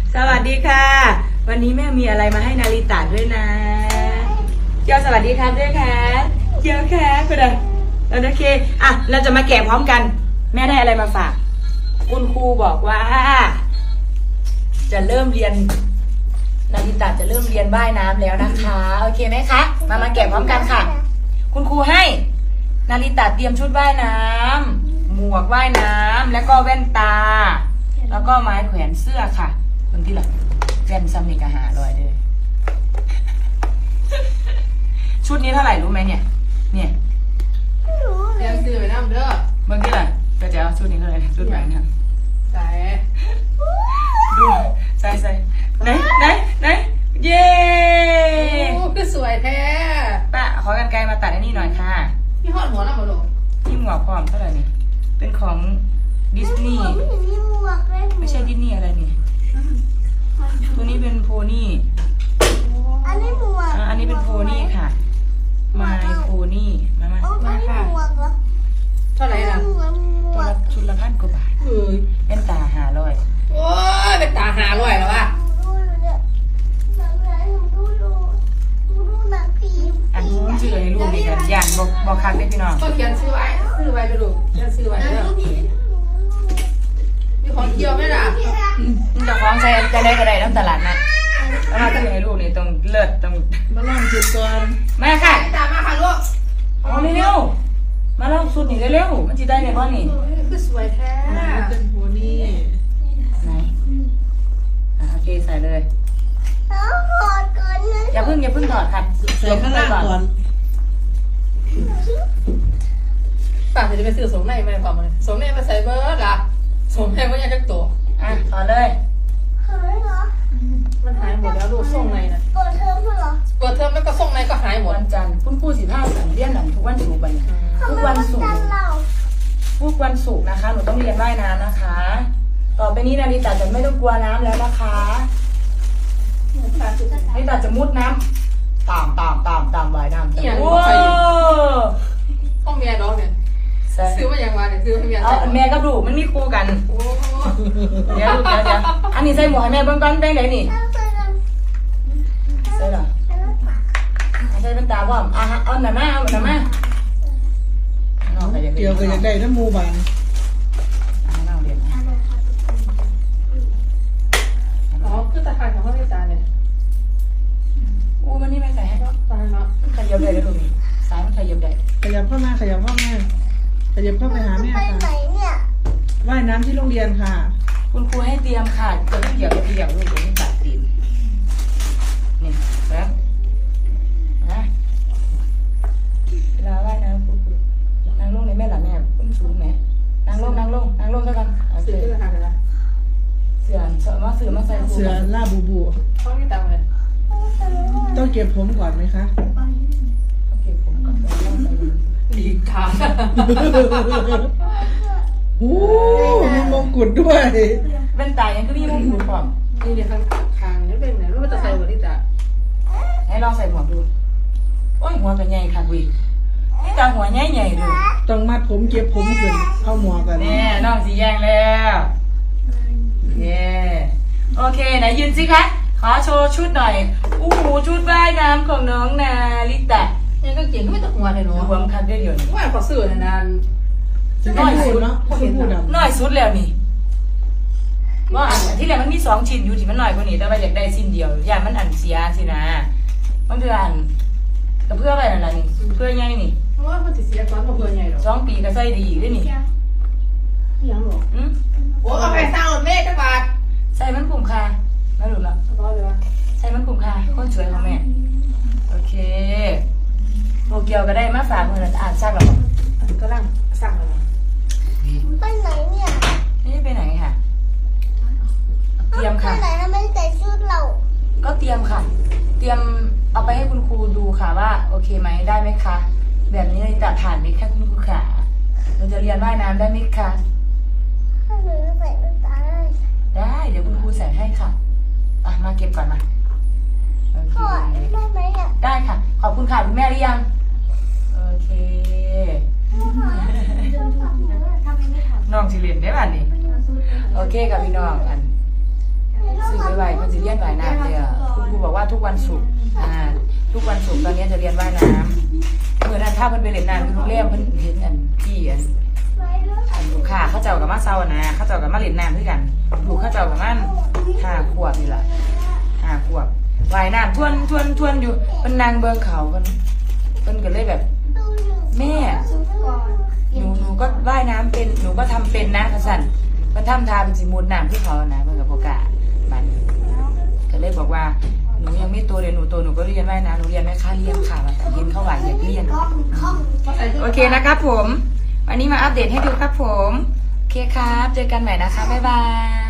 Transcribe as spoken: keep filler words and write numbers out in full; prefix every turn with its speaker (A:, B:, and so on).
A: สวัสดีค่ะวันนี้แม่มีอะไรมาให้นาริตะด้วยนะเจ้าสวัสดีครับด้วยค่ะเจ้าค่ะคุณอะโอเคอ่ะเราจะมาแกะพร้อมกันแม่ได้อะไรมาฝากคุณครูบอกว่าจะเริ่มเรียนนาริตะจะเริ่มเรียนว่ายน้ำแล้วนะคะโอเคไหมคะมามาแกะพร้อมกันค่ะคุณครูให้นาริตะเตรียมชุดว่ายน้ำหมวกว่ายน้ำแล้วก็แว่นตาแล้วก็ไม้แขวนเสื้อค่ะคนที่หลังแฟนซัมมิกอาหารลอยเลยชุดนี้เท่าไหร่รู้ไหมเนี่ยเนี่ย
B: เตรียมซื้อไปน้ำเด้อบ
A: างที่หลังก็จะเอาชุดนี้เลยชุดไหนนะ
B: ใส่
A: ดูใส่ใส่ไหนไหนไหนเย้
B: โอ้คือสวยแท้
A: ป้าขอกันไกลมาตัดอันนี้หน่อยค่ะ
B: พี่หอดหัวน้ำมาลง
A: ที่หมวกพร้อมเท่าไหร่นี่เป็นของดิสนีย์ไม่ใช่ดิสนีย์อะไรนี่ตัวนี้เป็นโพนี่
C: อันนี้หมวก
A: อันนี้เป็นโพนี่ค่ะมาโพนี่มามา
C: มาค่ะ
B: เท่าไหร่ล่ะ
A: ตัวละชุดละพันกว่าบาท
B: เอ้ย
A: เป็นตาหาร้อย
B: โอ้ยเป็นตาหาร้อยแล้ววะ
A: อันนี้ชื่อให้ลูกนี่กันย่านบอกบอกคักได้พี่น้อง
B: ก็เขียนซื้อไว้ซื้อไว้ไปดูเขียนซื้อไว้เด้อมีของเกี่ยวไหมล่ะ
A: มันจะคล้องใช้จะได้ก็ได้ทั้งตลาดนะแล้วมาต้องให้ลูกนี่ต้องเลิศต้อง
B: มาลองจุดก่อน
A: มาค่ะ
B: ตามมาค่ะลูก
A: เอาเร็วๆมาลองสุดนี่เร็วๆมันจะได้ในบ้านนี่
B: คือสวยแท้เป็นโพนี่
A: ไหนอ่ะโอเคใส่เลยอย่าเพิ่งอย่าเพิ่งถอดค่ะ
B: ใส่ข้างล่างก่อนป้าจะไปซื้อสมในมาความมันสมในมาใส่เบิร์ดล่ะสมในมันยังจะตัว
A: อ่ะถอดเลย
B: มันหายหมดแล้วลูกส่งในนะ
C: เปิดเทอมเหรอ
B: เปิดเทอมแล้วก็ส่งในก็หายหมด
A: วันจันทร์คุณครูสิบห้าสันเรียนหนังทุกวันศุกร์ไปทุกวันศุกร์ทุกวันศุกร์นะคะหนูต้องเรียนว่ายน้ำนะคะต่อไปนี้นาริตะจะไม่ต้องกลัวน้ำแล้วนะคะนาริตะจะมุดน้ำตามตามตามตามว่ายน้ำโอ้
B: ต้องเมียน้องเนี่ยซื้อมาอย่างวานเนี่ยซื้อให้เมีย
A: เอาแม่กับลูกมันมีคู่กันเดี๋ยวลูกเดี๋ยวเดี๋ยวอันนี้ใส่หมวกให้แม่เบิ้งก้อนแป้งไหนนี่ใส่หรอใส่เป็นตาบ่อมอ่ะเอาหน่ามาเอาหน่ามา
D: เกี่ยวกับยังได้น้ำมูบาน
B: อ๋อคือตาข่ายของพ่อแม่ตาเนี่ย
A: อู้มันนี่ไม่ใส่ให้
B: ตาเนาะ
A: ขยับได้เลยลูกนี่สายมันขยับได้
D: ขยับเข้ามาขยับเข้ามาขยับเข้าไปหาแม่ค่ะว่ายน้ำที่โรงเรียนค่ะ
A: คุณครูให้เตรียมค่ะจะต้องเกี่ยวกับเกี่ยวลูกเดี๋ยวนี้ตัดตีนนี่แล้วนะเวลาว่ายน้ำคุณครูนั่งลงในแม่หล่ะแม่คุณสูงไหมนั่งลงนั่งลงนั่งลงซะกัน
B: เสือที่ราคาเท่าไหร่
A: เสือเสือมาเสือมาใส่
D: เสือล่าบูบู
B: พ่อไม่ตามเลย
D: ต้องเก็บผมก่อนไหมคะ
A: ต้องเก็บผมก่อนแล้วใส่
B: ดีค่ะ
D: โอ้มีมงกุฎด้วย
A: เป็นตายังก็มีมงกุฎก่อน
B: นี่เดี๋ยวข้างข้างนี่เป็นไหนรู้ว่าจะใส่หัวที่ตา
A: ให้ลองใส่หมวกดูโอ้ยหัวเป็นใหญ่ค่ะวินี่ตาหัวใหญ่ใหญ่ดู
D: ต้องมัดผมเก็บผมขึ้นเข้าหมวกกัน
A: แน่น้องสีแยงแล้วเย้โอเคไหนยืนสิคะขอโชว์ชุดหน่อยอู้หูชุดว่ายน้ำของน้องนาริตะ
B: ยังก็เก่งก็ไม่ต้องหัวเลยเนาะ
A: หัวมันคัดได้เดียวนี่
B: ว่าขอซื้อนาน
D: น้อยสุดเนาะ
A: น้อยสุดแล้วนี่ว่าที่แรกมันมีสองชิ้นอยู่ที่มันน้อยกว่านี้แต่ว่าอยากได้ชิ้นเดียวอย่ามันอันเสียสินะมันคืออันแต่เพื่ออะไรนั่นนี่เพื่อไงนี่
B: ว่ามันจะเสียก่อนเพื่อไงหรอ
A: สองปีก็ใส่ดีด้วยนี่
B: ยังหรออืมโอ้เอาไปสร้างรถเมล์จังหวัด
A: ใส่มันคุ้มค่าไม่รู้ละใส่มันคุ้มค่าคนสวยของแม่โอเคโตเกียวก็ได้มาฝากเมื่อนั้นอ่านซักหรอ
B: ก็ร่างสั่งเลย
C: ไปไหนเนี่ย
A: นี่ไปไหนค่ะเตรียมค่ะ
C: ไปไหนทำไมใส่ชุดเรา
A: ก็เตรียมค่ะเตรียมเอาไปให้คุณครูดูค่ะว่าโอเคไหมได้ไหมคะแบบนี้จะผ่านไหมคะคุณครูขาเราจะเรียนว่ายน้ำได้ไหมคะ
C: ถ้าหนูใส่แว่นตาได้
A: ได้เดี๋ยวคุณครูใส่ให้ค่ะอ่ะมาเก็บก่อนมาโอเค
C: ได้ไหมอ่ะ
A: ได้ค่ะขอบคุณค่ะคุณแม่หรือยังโอเคน้องสิเรียนได้ป่ะนี่โอเคกับพี่น้องอันซื้อไปไว้ทุกวันศุกร์อ่าทุกวันศุกร์ตอนนี้จะเรียนว่ายน้ำเมื่อนั้นถ้าเพิ่นไปเล่นน้ำที่โรงแรมเพิ่นเห็นอันพี่อันอันลูกค้าเขาเจ้ากับมาเซานะเขาเจ้ากับมาเล่นน้ำด้วยกันลูกเขาเจ้ากับมันห้าขวบนี่แหละห้าขวบว่ายน้ำทวนทวนทวนอยู่เป็นนางเบิงเขาเพิ่นเพิ่นก็เลยแบบแม่หนูหนูก็ว่ายน้ำเป็นหนูก็ทำเป็นนะกระสันมันทำทาเป็นสิมูดน้ำที่เขานะเพิ่นกับโปกาบันก็เลยบอกว่าหนูยังไม่โตเลยหนูโตหนูก็เรียนว่ายน้ำหนูเรียนไม่ค่าเรียนค่ะเรียนเข้าไหวอยากเรียนโอเคนะครับผมวันนี้มาอัปเดตให้ดูครับผมโอเคครับเจอกันใหม่นะคะบ๊ายบาย